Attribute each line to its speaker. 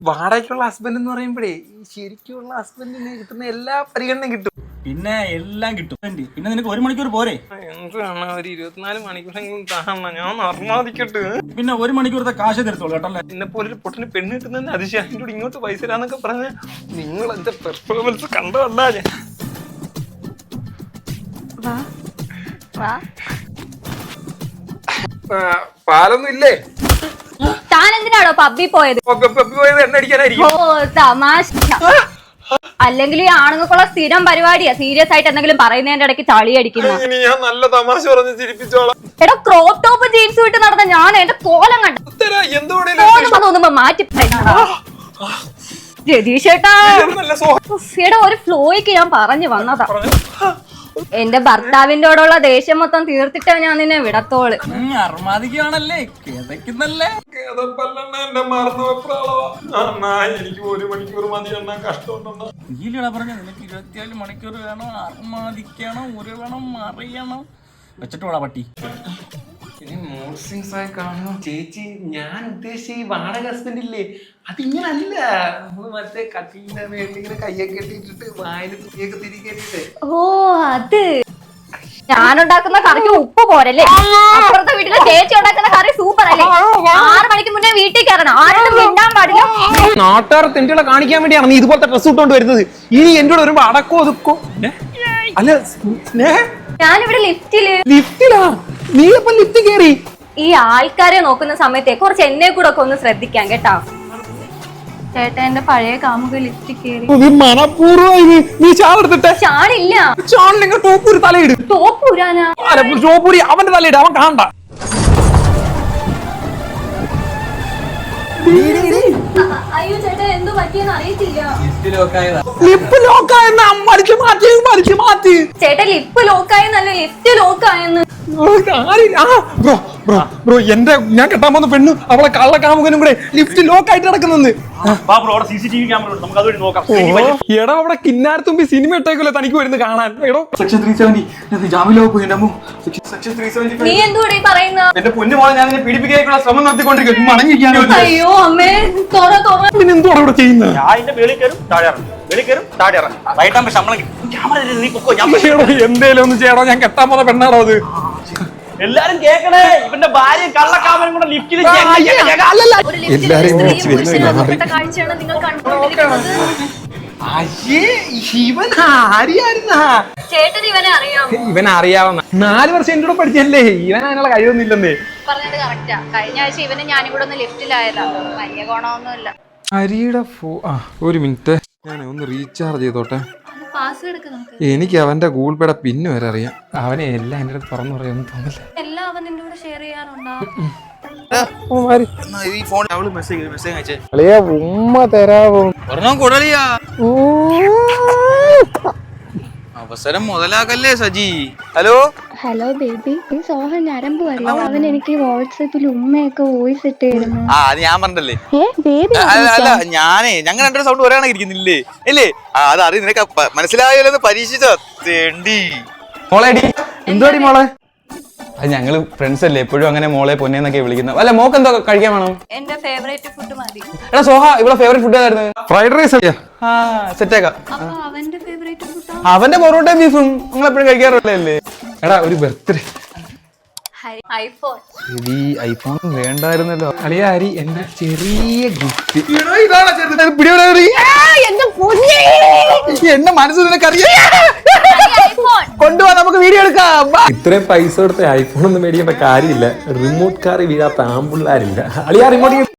Speaker 1: വാടകയ്ക്കുള്ള husband എന്ന് പറയുമ്പോഴേ ശരിക്കുള്ള ഹസ്ബൻഡിന് കിട്ടുന്ന എല്ലാ പരിഗണനയും കിട്ടും.
Speaker 2: പിന്നെ എല്ലാം കിട്ടും. പിന്നെ നിനക്ക് 1 മണിക്കൂർ പോരെ?
Speaker 1: എന്താണ് ഒരു 24 മണിക്കൂറെങ്കിലും താണ ഞാൻ അർമാദിക്കട്ടെ.
Speaker 2: പിന്നെ 1 മണിക്കൂറത്തെ കാശ് തരത്തോളൂ കേട്ടല്ലേ.
Speaker 1: എന്നെ പോലെ ഒരു പൊട്ടിന് പെണ്ണ് കിട്ടുന്നതിന് അതിശയം കൂടി ഇങ്ങോട്ട് പൈസ തരാന്നൊക്കെ പറഞ്ഞ നിങ്ങൾ എന്റെ പെർഫോമൻസ് കണ്ടതല്ല. ഞാൻ പാലൊന്നും ഇല്ലേ?
Speaker 3: താൻ എന്തിനാണോ പബ്ബി പോയത്?
Speaker 1: എണ്ണ അടിക്കാനായിരിക്കും.
Speaker 3: ഓ തമാശ. അല്ലെങ്കിൽ ഈ ആണുങ്ങൾക്കുള്ള സ്ഥിരം പരിപാടിയാ സീരിയസ് ആയിട്ട് എന്തെങ്കിലും പറയുന്നതിന്റെ ഇടയ്ക്ക് ചളി അടിക്കുന്ന.
Speaker 1: ഞാൻ നല്ല തമാശ പറഞ്ഞ് ചിരിപ്പിച്ചോളാം.
Speaker 3: എടാ ക്രോപ്പ് ടോപ്പ് ജീൻസ് വിട്ട് നടന്ന ഞാൻ എന്റെ കോലം കണ്ടു മാറ്റി രതീഷ് ചേട്ടാ. എടാ ഒരു ഫ്ലോയ്ക്ക് ഞാൻ പറഞ്ഞു വന്നതാ. എന്റെ ഭർത്താവിന്റോടുള്ള ദേഷ്യം മൊത്തം തീർത്തിട്ടാ ഞാൻ നിന്നെ വിടത്തോള്.
Speaker 2: അർമാദിക്കാണല്ലേ കിതക്കുന്നല്ലേ.
Speaker 1: എനിക്ക് 1 മണിക്കൂർ മതി എണ്ണ കഷ്ടമുണ്ടോ?
Speaker 2: നീലടാ പറഞ്ഞ നിനക്ക് 24 മണിക്കൂർ വേണം. അർമാദിക്കണം, ഉരുളണം, മറിയണം. വെച്ചിട്ട് പോടാ പട്ടി.
Speaker 1: ആയി കാണുന്നു ചേച്ചി. ഞാൻ ഉദ്ദേശിച്ച ഈ വാടക ഹസ്ബൻഡ് ഇല്ലേ, അതിങ്ങനല്ല. മറ്റേ കട്ടിലിന്റെ മേളിൽ ഇങ്ങനെ കയ്യൊക്കെ ഇട്ടിട്ട് വായിൽ പുതിയൊക്കെ തിരികെ.
Speaker 3: ഓ അത് ഞാനുണ്ടാക്കുന്ന കറിക്ക് ഉപ്പ് പോരല്ലേ? അപ്പുറത്തെ വീട്ടിലെ ചേച്ചി ഉണ്ടാക്കുന്ന കറി സൂപ്പർ അല്ലേ? 6 മണിക്ക് മുന്നേ വീട്ടിൽ കയറണം. ആരും മിണ്ടാൻ പാടില്ല.
Speaker 1: നാട്ടുകാർ തെണ്ടികളെ കാണിക്കാൻ വേണ്ടിയാണ് നീ ഇതുപോലത്തെ ഡ്രസ് ഇട്ടുകൊണ്ട് വരുന്നത്. ഇനി എന്റെ കൂടെ വരുമ്പോ അടക്കോ ഒതുക്കോ. അല്ല
Speaker 3: ഞാനിവിടെ
Speaker 1: ലിഫ്റ്റിലാ. നീ ഇപ്പൊ ലിഫ്റ്റ് കേറി.
Speaker 3: ഈ ആൾക്കാരെ നോക്കുന്ന സമയത്തെ കുറച്ച് എന്നെ കൂടെ ഒക്കെ ഒന്ന് ശ്രദ്ധിക്കാം കേട്ടാ. ചേട്ടാ എന്റെ പഴയ കാമുക ലിഫ്റ്റ് കേറി.
Speaker 1: മനപൂർവ്വം നീ ചാടെടുത്തിട്ടെ.
Speaker 3: ചാടില്ല.
Speaker 1: ചാടില്ലെങ്കിൽ ടോപ്പൂരി തലയിട്.
Speaker 3: ടോപ്പൂരാനാ?
Speaker 1: ടോപ്പൂരി അവന്റെ തലയിട്. അവൻ കാണണ്ട.
Speaker 3: അയ്യോ ചേട്ടാ എന്തോ പറ്റിയെന്ന് അറിയത്തില്ല.
Speaker 1: ലിപ്പ് ലോക്കായെന്ന് മാറ്റി.
Speaker 3: ചേട്ടാ ലിപ്പ് ലോക്കായെന്നല്ല ലിഫ്റ്റ് ലോക്കായെന്ന്.
Speaker 1: ബ്രോ എന്റെ ഞാൻ കെട്ടാൻ പോകുന്ന പെണ്ണു അവളെ കള്ളക്കാമുകനും കൂടെ ലിഫ്റ്റ് ലോക്ക് ആയിട്ട് നടക്കുന്നെന്ന്. എടാ അവിടെ കിന്നാരത്തുമ്പി സിനിമ ഇട്ടേക്കല്ലോ തനിക്ക് വരുന്ന കാണാൻ. എടോ സെക്ഷൻ 370 ജാമ്യലോ പോയി. സെക്ഷൻ 370
Speaker 3: നീ എന്തുകൂടെ പറയുന്ന?
Speaker 1: എന്റെ പൊന്നു മോളെ ഞാൻ നിന്നെ പീഡിപ്പിക്കാനുള്ള ശ്രമം നടത്തിക്കൊണ്ടിരിക്കും. മടങ്ങിയിരിക്കാനോ?
Speaker 3: അയ്യോ അമ്മേ
Speaker 1: പിന്നെ എന്തുവാണ് ഇവിടെ ചെയ്യുന്നത്? എന്തേലും ഒന്ന് ചെയ്യണോ? ഞാൻ കെട്ടാൻ പോകുന്ന പെണ്ണാണോ അത്?
Speaker 2: എല്ലാരും കേക്കണേ. ഇവന്റെ ഭാര്യ കള്ളക്കാമനും കൂടെ ലിഫ്റ്റിൽ
Speaker 1: ഇവൻ അറിയാവുന്ന 4 വർഷം എന്റെ കൂടെ പഠിച്ചല്ലേ. ഇവൻ അതിനുള്ള കഴിവൊന്നും ഇല്ലെന്നേ.
Speaker 3: പറഞ്ഞത് കറക്റ്റാ. കഴിഞ്ഞ ആഴ്ച ഇവന് ഞാനും കൂടെ ഒന്ന് ലിഫ്റ്റിലായതാ. വലിയ ഗുണമൊന്നുമില്ല.
Speaker 1: അരിയുടെ ഒരു മിനിറ്റ് ഞാൻ ഒന്ന് റീചാർജ് ചെയ്തോട്ടെ. എനിക്ക് അവന്റെ ഗൂഗിൾ പേയുടെ പിന്ന് വരെ അറിയാം. അവനെ എല്ലാം എന്റെ അടുത്ത് തുറന്നു പറയാമെന്ന് തോന്നില്ല.
Speaker 3: എല്ലാം അവൻ നിന്റെ കൂടെ ഷെയർ ചെയ്യാറുണ്ടോ?
Speaker 1: ഉമ്മ തരാവോ?
Speaker 4: അവസരം മുതലാക്കല്ലേ സജി. ഹലോ
Speaker 5: ഹലോ ബേബി, ഈ സോഹൻ ഞരമ്പ് അറിയാം. അവൻ എനിക്ക് വാട്സാപ്പിൽ ഉമ്മയൊക്കെ വോയിസ് ഇട്ട് തരുന്നു.
Speaker 4: അത് ഞാൻ പറഞ്ഞല്ലേ. അല്ല ഞാനേ ഞങ്ങൾ 2 സൗണ്ട് ഒരാണെ ഇരിക്കുന്നില്ലേ ഇല്ലേ? അത് അറിയ നിനക്ക് മനസ്സിലായല്ലോ. പരീക്ഷിച്ചോ തേണ്ടി
Speaker 1: മോളേടി. എന്തുവാടി മോളെ? അത് ഞങ്ങള് ഫ്രണ്ട്സ് അല്ലേ, എപ്പോഴും അങ്ങനെ മോളെ പൊന്നേന്നൊക്കെ വിളിക്കുന്നത്. അല്ല മോക്ക് എന്തോ കഴിക്കാൻ വേണം?
Speaker 3: എന്റെ ഫേവറേറ്റ് ഫുഡ് മതി.
Speaker 1: എടാ സോഹ ഇവിടെ ഫേവറേറ്റ് ഫുഡ് ഏതായിരുന്നു? ഫ്രൈഡ് റൈസ് അല്ലേ? സെറ്റേക്കാം.
Speaker 3: അവന്റെ ഫേവറേറ്റ് ഫുഡ്
Speaker 1: അവന്റെ പൊറോട്ടയും ബീഫും നിങ്ങൾ എപ്പോഴും കഴിക്കാറുള്ളല്ലേ? എടാ ഒരു ബർത്ത്ഡേ
Speaker 3: ഐഫോൺ.
Speaker 1: ഐഫോൺ വേണ്ടായിരുന്നല്ലോ. അളിയ അരി എന്റെ ചെറിയ ഗിഫ്റ്റ്. എന്റെ മനസ്സ് നിനക്കറിയാം. കൊണ്ടുപോവാ നമുക്ക് വീഡിയോ എടുക്കാം. ഇത്രയും പൈസ കൊടുത്ത ഐഫോൺ ഒന്നും മേടിക്കേണ്ട കാര്യമില്ല. റിമോട്ട് കാർ വീഴാത്ത ആമ്പിള്ളാരില്ല. അളിയാ റിമോട്ട്